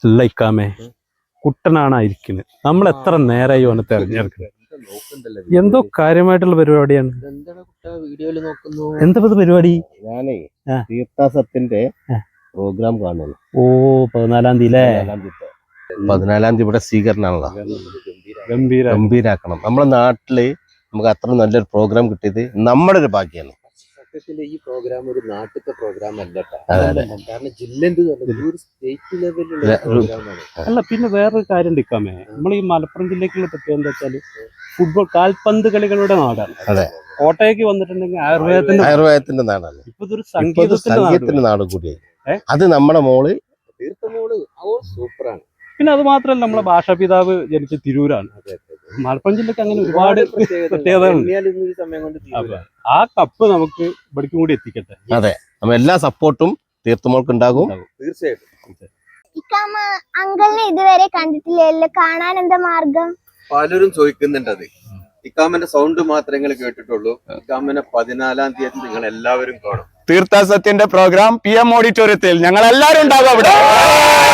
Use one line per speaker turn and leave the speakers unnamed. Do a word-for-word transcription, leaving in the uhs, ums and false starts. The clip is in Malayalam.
അല്ല ഇക്കാമേ, കുട്ടനാണ് ഇരിക്കുന്നത്. നമ്മൾ എത്ര നേരമായി അവനെ തെരഞ്ഞെടുക്കുന്നത്. എന്തോ കാര്യമായിട്ടുള്ള പരിപാടിയാണ്. എന്താ പരിപാടി?
ഞാനേ തീർത്ഥാസത്തിന്റെ പ്രോഗ്രാം കാണുന്നു.
ഓ, പതിനാലാം തീയതി അല്ലേ?
പതിനാലാം തീയതി ഇവിടെ സ്വീകരണമാണല്ലോ.
ഗംഭീര
ഗംഭീരാക്കണം. നമ്മുടെ നാട്ടില് നമുക്ക് അത്ര നല്ലൊരു പ്രോഗ്രാം കിട്ടിയത് നമ്മുടെ ഒരു ഭാഗ്യമാണ്.
സത്യത്തിൽ ഈ പ്രോഗ്രാം ഒരു നാട്ടിലത്തെ പ്രോഗ്രാം അല്ല, കാരണം ജില്ലന്റെ സ്റ്റേറ്റ് ലെവലിലുള്ള പ്രോഗ്രാമാണ്.
അല്ല, പിന്നെ വേറൊരു കാര്യം എടുക്കാമേ, നമ്മൾ ഈ മലപ്പുറം ജില്ലക്കുള്ള പ്രത്യേകത എന്താ വെച്ചാല് ഫുട്ബോൾ കാൽപന്ത് കളികളുടെ നാടാണ്.
അതെ,
കോട്ടയ്ക്ക് വന്നിട്ടുണ്ടെങ്കിൽ ആയുർവേദത്തിന്റെ
ആയുർവേദത്തിന്റെ നാടാണ്.
ഇപ്പൊ ഇതൊരു സംഗീതത്തിന്റെ
നാട് കൂടിയായി. അത് നമ്മുടെ മോള്
തീർത്ഥമോള് സൂപ്പറാണ്.
പിന്നെ അത് മാത്രല്ല, നമ്മളെ ഭാഷാപിതാവ് ജനിച്ച തിരൂരാണ്. മലപ്പുറം ജില്ലക്ക് അങ്ങനെ ഒരുപാട് പ്രത്യേകതകളുണ്ട്. ആ കപ്പ് നമുക്ക് ഇവിടേക്കും കൂടി എത്തിക്കട്ടെ.
അതെ, നമ്മ എല്ലാ സപ്പോർട്ടും തീർത്ഥമോൾക്ക് ഉണ്ടാകും.
തീർച്ചയായിട്ടും.
അങ്കിളിനെ ഇതുവരെ കണ്ടിട്ടില്ലല്ലോ, കാണാൻ എന്താ മാർഗം?
പലരും ചോദിക്കുന്നുണ്ട്. അത് ഇക്കാമന്റെ സൗണ്ട് മാത്രമേ നിങ്ങൾ കേട്ടിട്ടുള്ളൂ. ഇക്കാമനെ പതിനാലാം തീയതി നിങ്ങൾ എല്ലാവരും കാണും.
തീർത്ഥാസത്യന്റെ പ്രോഗ്രാം പി എം ഓഡിറ്റോറിയത്തിൽ ഞങ്ങൾ എല്ലാവരും ഉണ്ടാകും അവിടെ.